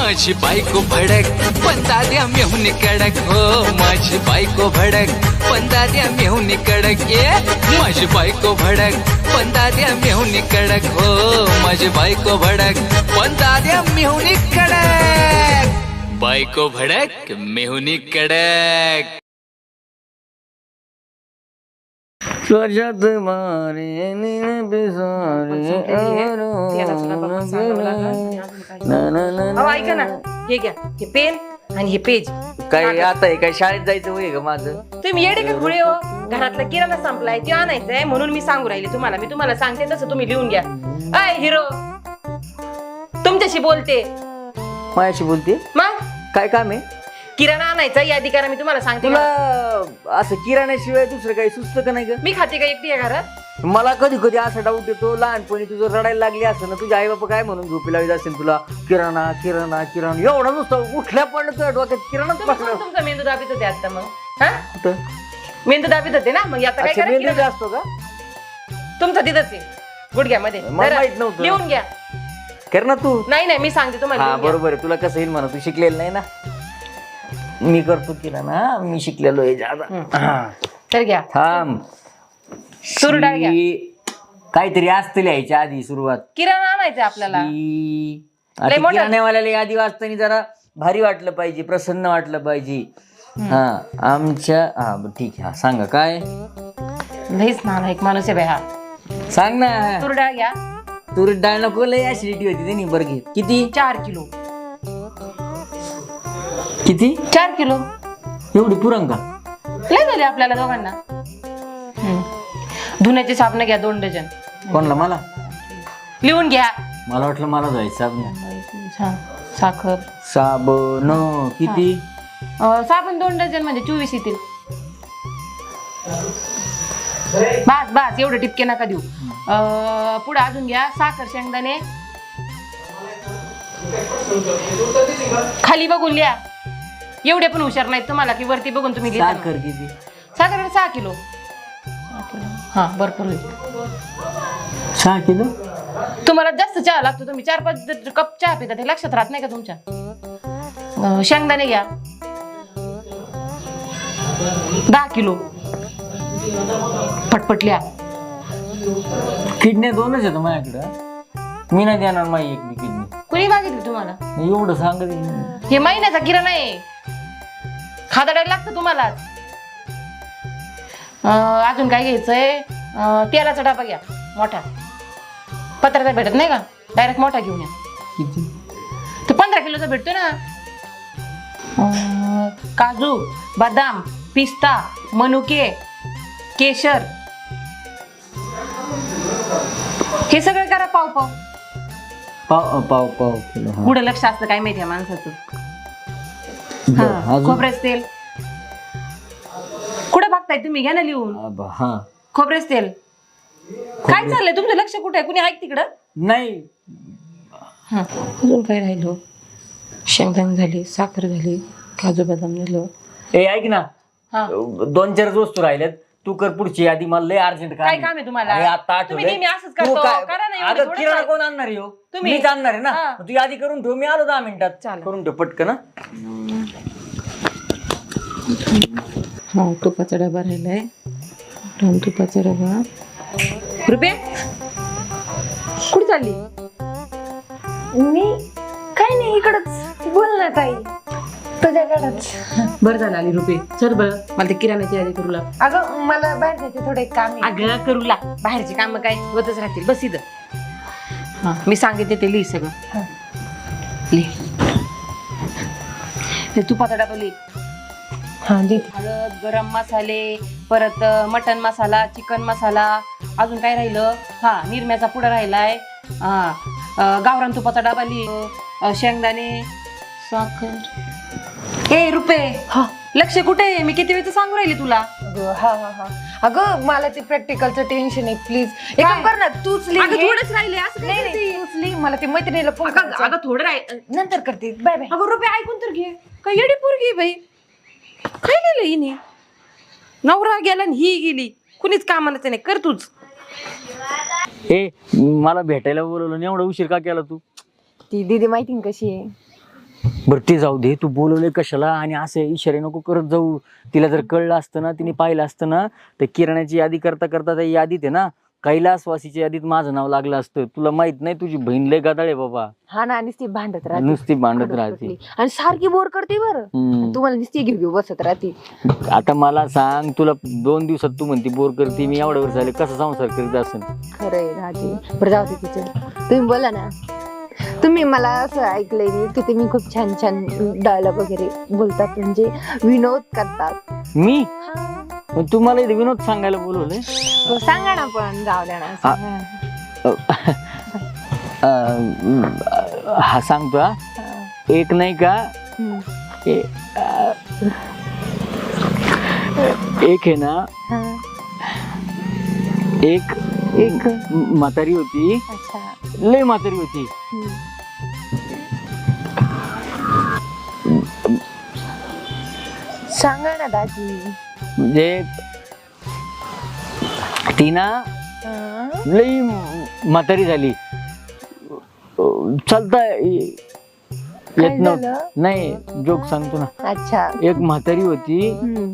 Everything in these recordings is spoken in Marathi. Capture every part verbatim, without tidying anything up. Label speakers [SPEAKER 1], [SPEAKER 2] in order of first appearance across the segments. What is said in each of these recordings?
[SPEAKER 1] माझी बायको भडक पण दाद्या मेहून कडक हो माझी बायको भडक पण दाद्या मेहून कडक ये माझी बायको भडक पण दाद्या मेहून कडक हो माझी बायको भडक पण दाद्या मेहून कडक बायको भडक मेहून कडक
[SPEAKER 2] स्वजात मारे नीन बिसारे
[SPEAKER 3] ऐका ना हे घ्या हे पेन आणि हे पेज
[SPEAKER 2] काय आता हे काय शाळेत जायचं वय का माझं
[SPEAKER 3] तुम्ही येडे का खुळे हो घरातला किराणा संपलाय ते आणायचंय म्हणून मी सांगू राहिले तुम्हाला मी तुम्हाला सांगते तसं तुम्ही लिहून घ्या अय हिरो तुमच्याशी बोलते
[SPEAKER 2] माझ्याशी बोलते
[SPEAKER 3] मग
[SPEAKER 2] काय काम आहे
[SPEAKER 3] किराणा आणायचा यादी करा मी तुम्हाला सांगते
[SPEAKER 2] तुला असं किराण्याशिवाय दुसरं काही सुचतं का नाही ग
[SPEAKER 3] मी खाते का एकटी आहे घरात
[SPEAKER 2] मला कधी कधी असा डाऊट येतो लहानपणी तुझं रडायला लागली असं ना तुझ्या आई बाबा काय म्हणून झोपी लावत असेल तुला किराणा किराणा किराणा एवढा नुसतं उठल्या पडलं तुझ्या डोक्यात किराणाच
[SPEAKER 3] तुम्ही
[SPEAKER 2] पडलं
[SPEAKER 3] कोण तुमचा मेंदू दाबीत होते आता मग हा
[SPEAKER 2] कुठं
[SPEAKER 3] मेंदू दाबीत होते ना मग आता काय
[SPEAKER 2] अच्छा,
[SPEAKER 3] करा
[SPEAKER 2] मेंदू
[SPEAKER 3] किराणा.
[SPEAKER 2] असतो का
[SPEAKER 3] तुमचा तिथंच आहे गुडघ्यामध्ये
[SPEAKER 2] मला
[SPEAKER 3] जरा
[SPEAKER 2] माहित नव्हतं.
[SPEAKER 3] लिहून घ्या
[SPEAKER 2] कर ना तू
[SPEAKER 3] नाही नाही मी सांगते तुम्हाला
[SPEAKER 2] हा
[SPEAKER 3] लिहून घ्या.
[SPEAKER 2] बरोबर आहे तुला कसं येईल म्हणा तू शिकलेलं नाही ना मी करतो किराणा मी शिकलेलो आहे जादा हा.
[SPEAKER 3] तर घ्या
[SPEAKER 2] थांब
[SPEAKER 3] तूर डाळ घ्या.
[SPEAKER 2] शी- काहीतरी असतं लिहायच्या आधी सुरुवात
[SPEAKER 3] किराणा आणायचा आपल्याला
[SPEAKER 2] शी-
[SPEAKER 3] लय
[SPEAKER 2] आता
[SPEAKER 3] मोठं.
[SPEAKER 2] किराण्यावाल्याला यादी वाचताना जरा भारी वाटलं पाहिजे प्रसन्न वाटलं पाहिजे हा आमच्या हा बरं, ठीक आहे हा सांगा काय
[SPEAKER 3] लईच नाना एक माणूस आहे बाई हा
[SPEAKER 2] सांग ना
[SPEAKER 3] तूर डाळ घ्या
[SPEAKER 2] तुरी डाळ नको लय ऍसिडिटी होती त्यांनी बरं घे किती
[SPEAKER 3] चार किलो
[SPEAKER 2] किती
[SPEAKER 3] चार किलो
[SPEAKER 2] एवढी पुरंग का
[SPEAKER 3] लय झाले आपल्याला दोघांना हम्म. धुण्याचे साबण घ्या दोन डझन
[SPEAKER 2] कोणला मला
[SPEAKER 3] लिहून घ्या
[SPEAKER 2] मला वाटलं मला जायचं
[SPEAKER 3] हा, साखर
[SPEAKER 2] साबण किती
[SPEAKER 3] अं, साबण दोन डझन म्हणजे चोवीस येतील बास बास एवढे टिपके नका देऊ अं, पुढे अजून घ्या साखर शेंगदाणे खाली बघून लिहा एवढे पण हुशार नाहीत तुम्हाला की वरती बघून तुम्ही लिहिता ना.
[SPEAKER 2] साखर किती
[SPEAKER 3] साखर सहा किलो हा भरपूर होईल
[SPEAKER 2] सहा किलो
[SPEAKER 3] तुम्हाला जास्त चहा लागतो तुम्ही चार पाच कप चहा पिता ते लक्षात राहत नाही का तुमच्या अं, शेंगदाणे घ्या दहा किलो पटपटल्या
[SPEAKER 2] किडण्या दोनच येतो माझ्याकडं मी नाही देणार माझी एक बी किडनी
[SPEAKER 3] कुणी मागितली तुम्हाला
[SPEAKER 2] एवढं सांगत
[SPEAKER 3] हे महिन्याचा किराणा आहे खादाडायला लागतं तुम्हाला अं, अजून काय घ्यायचंय अं, तेलाचा डबा घ्या मोठा पत्राचा भेटत नाही का डायरेक्ट मोठा घेऊन या
[SPEAKER 2] किती
[SPEAKER 3] तो पंधरा किलोचा भेटतो ना अं, काजू बदाम पिस्ता मनुके केशर हे सगळं करा पाव पाव
[SPEAKER 2] पाव पाव पाव किलो हा.
[SPEAKER 3] पुढे लक्ष असतं काय माहिती माणसाचं
[SPEAKER 2] बरं,
[SPEAKER 3] हा,
[SPEAKER 2] अजून?
[SPEAKER 3] खोबरेच तेल कुठे बघताय तुम्ही घ्या ना लिहून
[SPEAKER 2] आबा, हा
[SPEAKER 3] खोबरेच तेल काय चाललंय तुमचं लक्ष कुठे आहे कुणी ऐक तिकडं
[SPEAKER 2] नाही
[SPEAKER 3] हा अजून काय राहिलो शेंगदाणे झाली साखर झाली काजू बदाम झालं
[SPEAKER 2] ए ऐक ना
[SPEAKER 3] हा
[SPEAKER 2] दोन चार वस्तू राहिल्यात तू कर पुढची यादी मला लय अर्जंट
[SPEAKER 3] काय काम आहे तुम्हाला?
[SPEAKER 2] अरे आता
[SPEAKER 3] तुम्ही
[SPEAKER 2] आठवलंय.
[SPEAKER 3] नेहमी असंच
[SPEAKER 2] तू
[SPEAKER 3] करतो.
[SPEAKER 2] काय-
[SPEAKER 3] करा ना, एवढं
[SPEAKER 2] अगं,
[SPEAKER 3] थोडंच
[SPEAKER 2] किराणा
[SPEAKER 3] आहे.
[SPEAKER 2] कोण आणणार आहे हो?
[SPEAKER 3] तुम्ही.
[SPEAKER 2] मीच आणणार आहे ना
[SPEAKER 3] हा.
[SPEAKER 2] तू यादी करून ठेव मी आलो दहा मिनिटात
[SPEAKER 3] चालेल.
[SPEAKER 2] करून ठेव पटकन हा.
[SPEAKER 3] हा तुपाचा डबा राहिलाय दोन तुपाचा डबा रुपये कुठे चालली
[SPEAKER 4] मी काय नाही इकडच बोल ना ताई तुझ्याकडच
[SPEAKER 3] बरं झालं आली रुपये चल बरं मला ते किराण्याची यादी करू लाग
[SPEAKER 4] अगं मला बाहेर जायचे थोडे काम आहे.
[SPEAKER 3] अगं करू लाग बाहेरची कामं काय होतच राहतील बस इथं हा मी सांगितले ते लिही सगळं लिह ते तुपाचा डबा लिह
[SPEAKER 4] हा जी
[SPEAKER 3] हळद गरम मसाले परत अं, मटन मसाला चिकन मसाला अजून काय राहिलं हा निरम्याचा पुडा राहिलाय हा अं, गावरान तुपाचा डबा लिह शेंगदाणे साखर ए रुपये
[SPEAKER 4] हा
[SPEAKER 3] लक्ष कुठे आहे? मी किती वेळचं सांगू राहिली तुला
[SPEAKER 4] अगं हा हा हा अगं मला ते प्रॅक्टिकलचं टेन्शन आहे प्लीज एक काम कर ना तूच लिह
[SPEAKER 3] अगं
[SPEAKER 4] हे.
[SPEAKER 3] थोडंच राहिले असं काय
[SPEAKER 4] नाही नाही
[SPEAKER 3] करते?
[SPEAKER 4] तूच लिह मला ते मैत्रिणीला फोन
[SPEAKER 3] अगं
[SPEAKER 4] करायचा.
[SPEAKER 3] अगं थोडं राहील
[SPEAKER 4] नंतर करते बाय बाय
[SPEAKER 3] अगं रुपये ऐकून तर घे काय येडी पोरगी आहे बाई काय लिहिलं हिने नवरा गेला आणि ही गेली कुणीच कामालाच नाही कर तूच
[SPEAKER 2] ए मला भेटायला बोलवलं नाही एवढा उशीर का केला तू
[SPEAKER 4] ती दीदी माहिती ना कशी आहे
[SPEAKER 2] बरं ते जाऊ दे, तू बोलवले कशाला आणि असे इशारे नको करत जाऊ. तिला जर कळलं असतं ना, तिने पाहिलं असतं ना, तर किराण्याची यादी करता करता त्या यादीत आहे ना कैलासवासीच्या यादीत माझं नाव लागलं असतं. तुला माहित नाही, तुझी बहीण लय गदाळ आहे बाबा.
[SPEAKER 4] हा ना, नुसती भांडत राहते,
[SPEAKER 2] नुसती भांडत
[SPEAKER 4] खडूस
[SPEAKER 2] राहते.
[SPEAKER 4] कुठली. आणि सारखी बोर करते बरं.
[SPEAKER 2] हम्म.
[SPEAKER 4] तुम्हाला नुसती घेऊ घेऊ बसत राहते.
[SPEAKER 2] आता मला सांग, तुला दोन दिवसात तू म्हणती बोर करते, मी एवढ्या वर्ष झाले कसा संसार करीत असेल.
[SPEAKER 4] खरंय राहते. बरं जाऊ दे तिचं. तुम्ही बोला ना. तुम्ही मला असं ऐकलंय मी की तुम्ही खूप छान छान डायलॉग वगैरे बोलतात, म्हणजे विनोद करतात.
[SPEAKER 2] मी मग तुम्हाला इथे विनोद सांगायला बोलवलंय.
[SPEAKER 4] हो, सांगा ना, पण जाऊ द्या ना, सांगा ना.
[SPEAKER 2] अं, हा सांगतो हा. एक नाही का
[SPEAKER 4] हम्म.
[SPEAKER 2] ए- अं, एक आहे ना,
[SPEAKER 4] हा.
[SPEAKER 2] एक
[SPEAKER 4] एक
[SPEAKER 2] म्हातारी होती,
[SPEAKER 4] अच्छा.
[SPEAKER 2] लय म्हातारी होती.
[SPEAKER 4] हम्म. सांगा ना दाजी.
[SPEAKER 2] म्हणजे ती ना
[SPEAKER 4] हा.
[SPEAKER 2] लई म्हातारी झाली, चालता येत
[SPEAKER 4] काय
[SPEAKER 2] नव्हतं.
[SPEAKER 4] झालं?
[SPEAKER 2] नाही, जोक सांगतो ना.
[SPEAKER 4] अच्छा.
[SPEAKER 2] एक म्हातारी होती,
[SPEAKER 4] हम्म.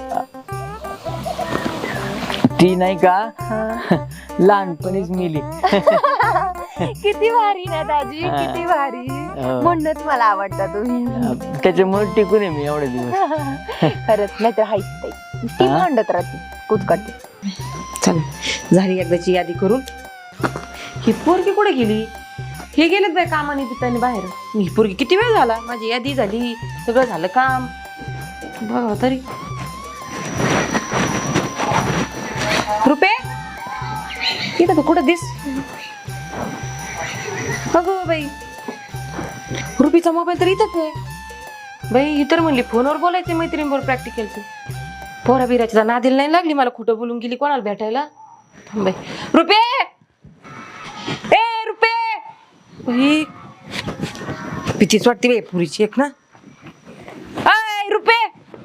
[SPEAKER 2] ती नाही का
[SPEAKER 4] हा.
[SPEAKER 2] लहानपणीच मेली.
[SPEAKER 4] किती भारी ना दाजी,
[SPEAKER 2] हा.
[SPEAKER 4] किती भारी.
[SPEAKER 2] हो.
[SPEAKER 4] म्हणूनच मला आवडता तुम्ही.
[SPEAKER 2] त्याच्यामुळे टिकून आहे मी एवढे दिवस.
[SPEAKER 4] खरंच, नाही तर हाईच ताई. ती
[SPEAKER 2] हा?
[SPEAKER 4] भांडत राहते, कुचकाटी.
[SPEAKER 3] चल, झाली एकदाची यादी करून. ही पोरगी कुठे गेली? हे गेलेत बाय कामाने पिताने बाहेर. ही पोरगी किती वेळ झाला, माझी यादी झाली, सगळं झालं काम, बघा तरी. रुपे, इथं तू कुठं दिस? अगं बाई, रुपीचा मोबाईल तर इथंच आहे बाई. ही तर म्हणली फोनवर बोलायचं मैत्रिणीबरोबर प्रॅक्टिकलचं. पोरा बिराच्या नादीला नाही लागली, मला खोटं बोलून गेली कोणाला भेटायला. थांब बाई. रुपे, ए रुपे, बाई भीतीच वाटते बाई पुरीची एक ना. आय रुपे,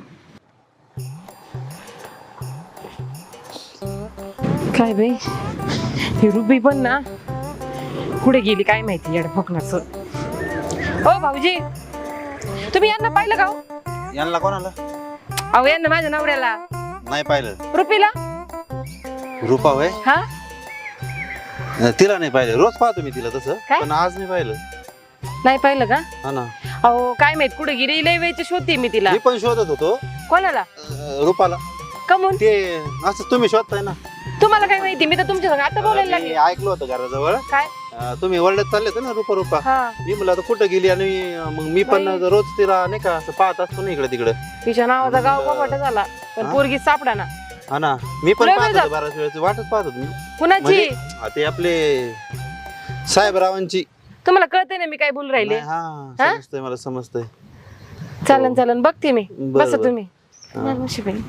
[SPEAKER 3] काय बाई ही रुपी पण ना कुठे गेली काय माहिती, येड फकणाचं. ओ भाऊजी, तुम्ही यांना पाहिलं का हो?
[SPEAKER 5] यांना कोणाला
[SPEAKER 3] अहो यांना, माझ्या नवऱ्याला,
[SPEAKER 5] नाही पाहिलं.
[SPEAKER 3] रुपीला.
[SPEAKER 5] रूपा होय,
[SPEAKER 3] हा,
[SPEAKER 5] तिला नाही पाहिलं. रोज पाहतो मी तिला तसं,
[SPEAKER 3] काय?
[SPEAKER 5] पण आज नाही पाहिलं.
[SPEAKER 3] नाही पाहिलं का?
[SPEAKER 5] हा ना,
[SPEAKER 3] अहो काय माहित कुठे गेली, लय वेळची शोधते मी तिला.
[SPEAKER 5] मी पण शोधत होतो
[SPEAKER 3] कोणाला?
[SPEAKER 5] अं, रूपाला.
[SPEAKER 3] कमून?
[SPEAKER 5] ते असं तुम्ही शोधताय ना.
[SPEAKER 3] तुम्हाला काय माहिती, मी तर तुमच्या संग आता बोलायला
[SPEAKER 5] मी
[SPEAKER 3] लागले.
[SPEAKER 5] ऐकलं होतं घराजवळ.
[SPEAKER 3] काय?
[SPEAKER 5] अं, तुम्ही वर्ल्डात चालले होते ना, रूपा रूपा.
[SPEAKER 3] हा,
[SPEAKER 5] मी म्हणलं आता कुठं गेली, आणि मग मी पण
[SPEAKER 3] बाई.
[SPEAKER 5] रोज तिला नाही का असं पाहत असतो ना इकडे तिकडे.
[SPEAKER 3] तिच्या नावाचा गाव
[SPEAKER 5] मग,
[SPEAKER 3] कपाट झाला, पण
[SPEAKER 5] हा?
[SPEAKER 3] पोरगी सापडा ना.
[SPEAKER 5] हा ना, मी पण
[SPEAKER 3] लय
[SPEAKER 5] पाहत
[SPEAKER 3] वेळ
[SPEAKER 5] होतो बऱ्याच वेळेची वाटच पाहत होतो मी.
[SPEAKER 3] कुणाची?
[SPEAKER 5] म्हणजे हा, ते आपले साहेबरावांची.
[SPEAKER 3] तुम्हाला कळतंय ना मी काय बोलू राहिले.
[SPEAKER 5] नाही, हा
[SPEAKER 3] हा?
[SPEAKER 5] समजतंय, मला समजतंय.
[SPEAKER 3] चालन चालन, बघते मी.
[SPEAKER 5] बरं,
[SPEAKER 3] बसा
[SPEAKER 5] बरं.
[SPEAKER 3] तुम्ही.
[SPEAKER 5] हा.
[SPEAKER 3] मला नशिबाई.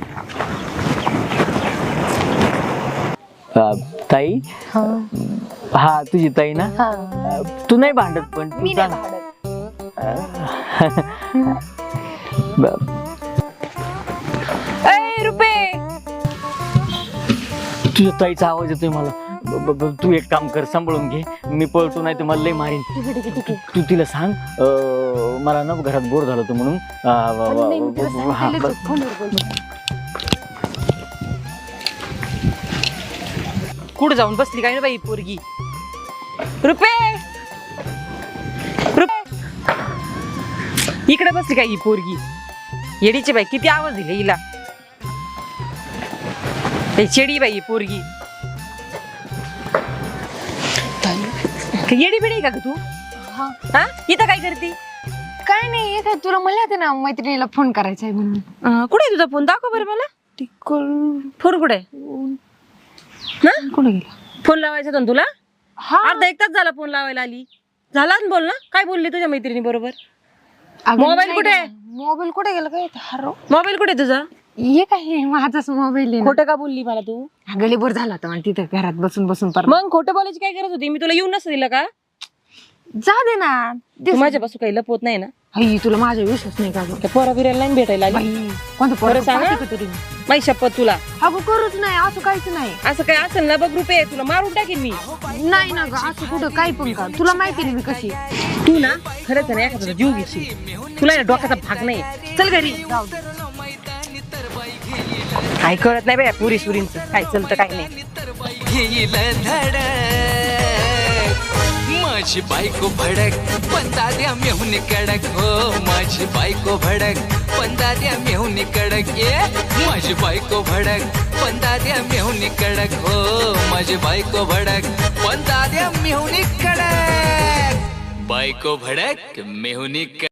[SPEAKER 2] अं, ताई,
[SPEAKER 4] हा.
[SPEAKER 2] हा तुझी ताई ना.
[SPEAKER 4] हा.
[SPEAKER 2] अं, तू नाही भांडत, पण तू
[SPEAKER 4] मी नाही
[SPEAKER 2] सांग.
[SPEAKER 4] भांडत.
[SPEAKER 2] ब-
[SPEAKER 3] ए रुपे,
[SPEAKER 2] तुझ्या ताईचा आवाज येतोय मला. ब- ब- तू एक काम कर, सांभाळून घे, मी पळतो, नाही तर मला लय मारीन.
[SPEAKER 4] ठीक आहे, ठीक आहे, ठीक आहे.
[SPEAKER 2] तू तिला सांग अं, मला ना घरात बोर झालं होतं म्हणून. अं, व- व-
[SPEAKER 4] नाही, मी तिला
[SPEAKER 2] व- हा,
[SPEAKER 4] सांगितलेलंच
[SPEAKER 2] ब-
[SPEAKER 4] होतं, फोनवर बोल.
[SPEAKER 3] कुठं जाऊन बसली काय ना बाई पोरगी. रुपे, रुपे, इकडे बसली काय ही पोरगी. येडीची बाई, किती आवाज दिले हिला. हे चेडी बाई ही पोरगी. येडी बिडी का ग तू?
[SPEAKER 4] हा.
[SPEAKER 3] हा, इथं काय करते?
[SPEAKER 4] काय नाही, हे काय तुला म्हणलं होतं ना मैत्रिणीला फोन करायचा आहे म्हणून.
[SPEAKER 3] अं, कुठे आहे तुझा फोन? दाखव बरं मला. फोन कुठे आहे? हा?
[SPEAKER 4] कुठे गेला?
[SPEAKER 3] फोन लावायचा होता ना तुला?
[SPEAKER 4] हा.
[SPEAKER 3] अर्धा एक तास झाला फोन लावायला आली. झाला ना बोल ना. काय बोलली तुझ्या मैत्रिणी बरोबर?
[SPEAKER 4] अगं,
[SPEAKER 3] मोबाईल
[SPEAKER 4] नाही
[SPEAKER 3] कुठे आहे?
[SPEAKER 4] ना. मोबाईल कुठे गेला काय हरो?
[SPEAKER 3] मोबाईल कुठे आहे तुझा?
[SPEAKER 4] हे काय हे माझाच मोबाईल आहे ना.
[SPEAKER 3] खोटं का बोलली मला तू?
[SPEAKER 4] गली बोर झाला होता मला तिथं घरात बसून बसून पर.
[SPEAKER 3] मग खोटं बोलायची काय गरज होती? मी तुला येऊन नसतं दिलं का?
[SPEAKER 4] जा दे ना.
[SPEAKER 3] तू माझ्यापासून काही लपवत नाही ना?
[SPEAKER 4] आई तुला माझा विश्वास नाही का गं?
[SPEAKER 3] त्या पोरा बिराला नाही भेटायला आली
[SPEAKER 4] बाई कोणतं
[SPEAKER 3] खरं
[SPEAKER 4] पोरं
[SPEAKER 3] सांग
[SPEAKER 4] पाहते
[SPEAKER 3] हं?
[SPEAKER 4] का तरी मी?
[SPEAKER 3] माही शपथ तुला
[SPEAKER 4] अगं करूच नाही असं काहीच नाही.
[SPEAKER 3] असं काय असेल ना बघ रुपये तुला मारून टाकेन मी.
[SPEAKER 4] नाही ना गं असं कुठं काही पण का तुला माहिती नाही मी कशी.
[SPEAKER 3] तू ना खरंच ना एखादा जीव घेशील तुला या डोक्याचा भाग नाही. चल घरी
[SPEAKER 4] जाऊ दे.
[SPEAKER 3] काय कळत नाही बाय पुरी सुरींचं काय चलतं काय नाही.
[SPEAKER 1] घेईल धडक माझी बायको भडक पण दाद्या मेहून कडक हो माझी बायको भडक पण दाद्या मेहून कडक ये माझी बायको भडक पण दाद्या मेहून कडक हो माझी बायको भडक पण दाद्या मेहून कडक बायको भडक मेहुनी